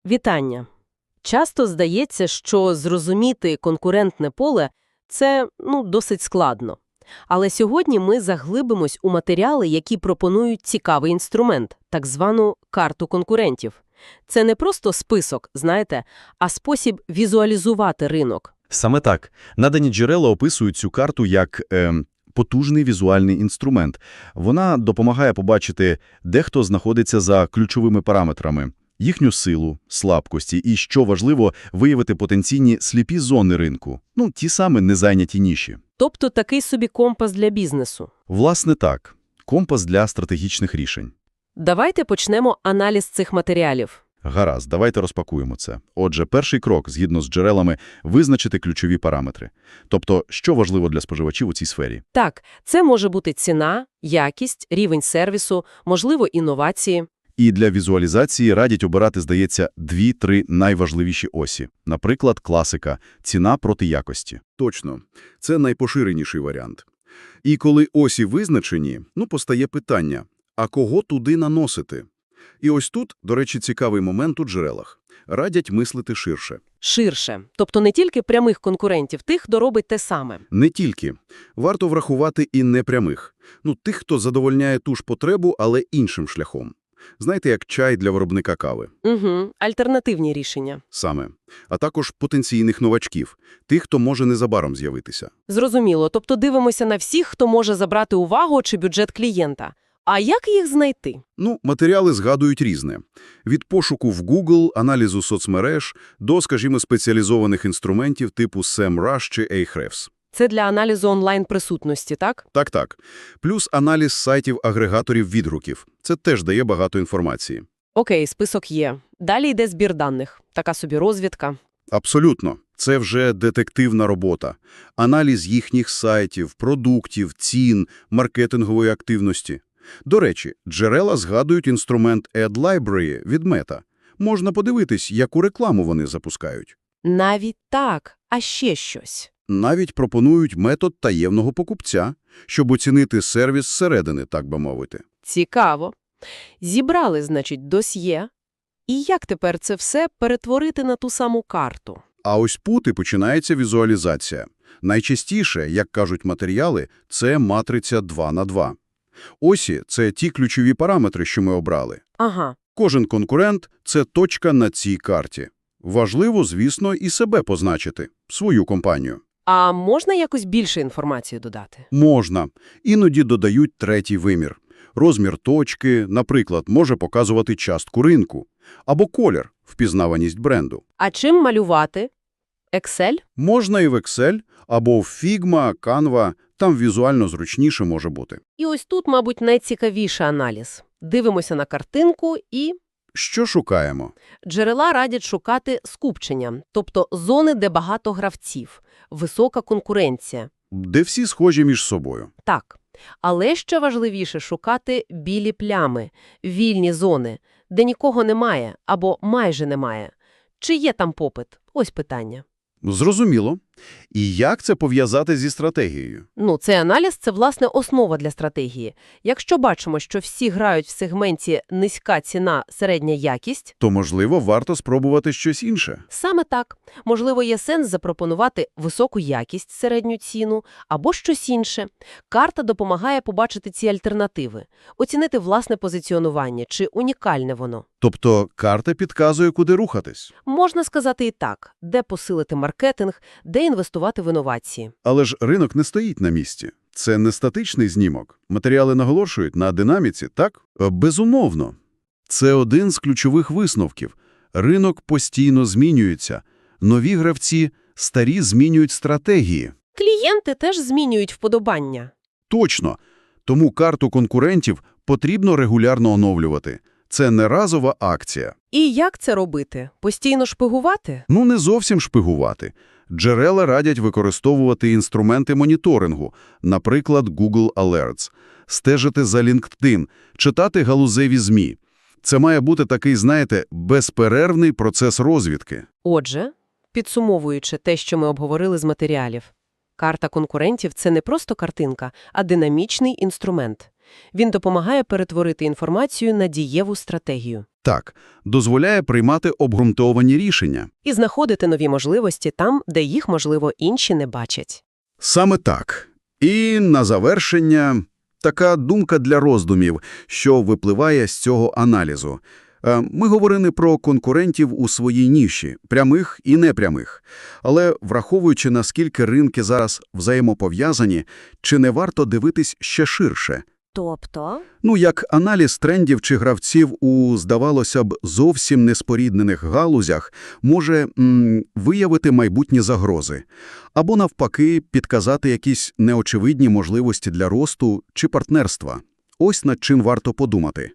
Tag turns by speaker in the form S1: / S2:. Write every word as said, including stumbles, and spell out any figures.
S1: Вітання! Часто здається, що зрозуміти конкурентне поле – це, ну, досить складно. Але сьогодні ми заглибимось у матеріали, які пропонують цікавий інструмент – так звану карту конкурентів. Це не просто список, знаєте, а спосіб візуалізувати ринок.
S2: Саме так. Надані джерела описують цю карту як е, потужний візуальний інструмент. Вона допомагає побачити, де хто знаходиться за ключовими параметрами, їхню силу, слабкості і, що важливо, виявити потенційні сліпі зони ринку. Ну, ті самі незайняті ніші.
S1: Тобто такий собі компас для бізнесу.
S2: Власне так. Компас для стратегічних рішень.
S1: Давайте почнемо аналіз цих матеріалів.
S2: Гаразд, давайте розпакуємо це. Отже, перший крок, згідно з джерелами, визначити ключові параметри. Тобто, що важливо для споживачів у цій сфері?
S1: Так, це може бути ціна, якість, рівень сервісу, можливо, інновації.
S2: І для візуалізації радять обирати, здається, дві-три найважливіші осі. Наприклад, класика – ціна проти якості. Точно. Це найпоширеніший варіант. І коли осі визначені, ну, постає питання – а кого туди наносити? І ось тут, до речі, цікавий момент у джерелах. Радять мислити ширше.
S1: Ширше. Тобто не тільки прямих конкурентів, тих, хто робить те саме.
S2: Не тільки. Варто врахувати і непрямих. Ну, тих, хто задовольняє ту ж потребу, але іншим шляхом. Знаєте, як чай для виробника кави.
S1: Угу. Альтернативні рішення.
S2: Саме. А також потенційних новачків. Тих, хто може незабаром з'явитися.
S1: Зрозуміло. Тобто дивимося на всіх, хто може забрати увагу чи бюджет клієнта. А як їх знайти?
S2: Ну, матеріали згадують різне. Від пошуку в Google, аналізу соцмереж, до, скажімо, спеціалізованих інструментів типу SEMrush чи Ahrefs.
S1: Це для аналізу онлайн-присутності, так?
S2: Так-так. Плюс аналіз сайтів-агрегаторів відгуків. Це теж дає багато інформації.
S1: Окей, список є. Далі йде збір даних. Така собі розвідка.
S2: Абсолютно. Це вже детективна робота. Аналіз їхніх сайтів, продуктів, цін, маркетингової активності. До речі, джерела згадують інструмент Ad Library від Meta. Можна подивитись, яку рекламу вони запускають.
S1: Навіть так. А ще щось.
S2: Навіть пропонують метод таємного покупця, щоб оцінити сервіс зсередини, так би мовити.
S1: Цікаво. Зібрали, значить, досьє. І як тепер це все перетворити на ту саму карту?
S2: А ось тут і починається візуалізація. Найчастіше, як кажуть матеріали, це матриця два на два. Осі – це ті ключові параметри, що ми обрали.
S1: Ага.
S2: Кожен конкурент – це точка на цій карті. Важливо, звісно, і себе позначити, свою компанію.
S1: А можна якось більше інформації додати?
S2: Можна. Іноді додають третій вимір. Розмір точки, наприклад, може показувати частку ринку. Або колір – впізнаваність бренду.
S1: А чим малювати? Excel?
S2: Можна і в Excel, або в Figma, Canva, там візуально зручніше може бути.
S1: І ось тут, мабуть, найцікавіший аналіз. Дивимося на картинку і...
S2: Що шукаємо?
S1: Джерела радять шукати скупчення, тобто зони, де багато гравців, висока конкуренція.
S2: Де всі схожі між собою.
S1: Так. Але ще важливіше шукати білі плями, вільні зони, де нікого немає або майже немає. Чи є там попит? Ось питання.
S2: Зрозуміло. І як це пов'язати зі стратегією?
S1: Ну, цей аналіз – це, власне, основа для стратегії. Якщо бачимо, що всі грають в сегменті низька ціна, середня якість,
S2: то, можливо, варто спробувати щось інше.
S1: саме так. Можливо, є сенс запропонувати високу якість, середню ціну або щось інше. Карта допомагає побачити ці альтернативи, оцінити власне позиціонування, чи унікальне воно.
S2: Тобто карта підказує, куди рухатись.
S1: Можна сказати і так, де посилити маркетинг, де інвестувати в інновації.
S2: Але ж ринок не стоїть на місці. Це не статичний знімок. Матеріали наголошують на динаміці, так? Безумовно. Це один з ключових висновків. Ринок постійно змінюється. Нові гравці, старі змінюють стратегії.
S1: Клієнти теж змінюють вподобання.
S2: Точно. Тому карту конкурентів потрібно регулярно оновлювати. Це не разова акція.
S1: І як це робити? Постійно шпигувати?
S2: Ну, не зовсім шпигувати. Джерела радять використовувати інструменти моніторингу, наприклад, Google Alerts, стежити за LinkedIn, читати галузеві ЗМІ. Це має бути такий, знаєте, безперервний процес розвідки.
S1: Отже, підсумовуючи те, що ми обговорили з матеріалів, карта конкурентів – це не просто картинка, а динамічний інструмент. Він допомагає перетворити інформацію на дієву стратегію.
S2: Так, дозволяє приймати обґрунтовані рішення.
S1: І знаходити нові можливості там, де їх, можливо, інші не бачать.
S2: Саме так. І на завершення така думка для роздумів, що випливає з цього аналізу. Е, Ми говорили про конкурентів у своїй ніші, прямих і непрямих. Але враховуючи, наскільки ринки зараз взаємопов'язані, чи не варто дивитись ще ширше?
S3: Тобто?
S2: Ну, як аналіз трендів чи гравців у, здавалося б, зовсім неспоріднених галузях може м, виявити майбутні загрози. Або, навпаки, підказати якісь неочевидні можливості для росту чи партнерства. Ось над чим варто подумати.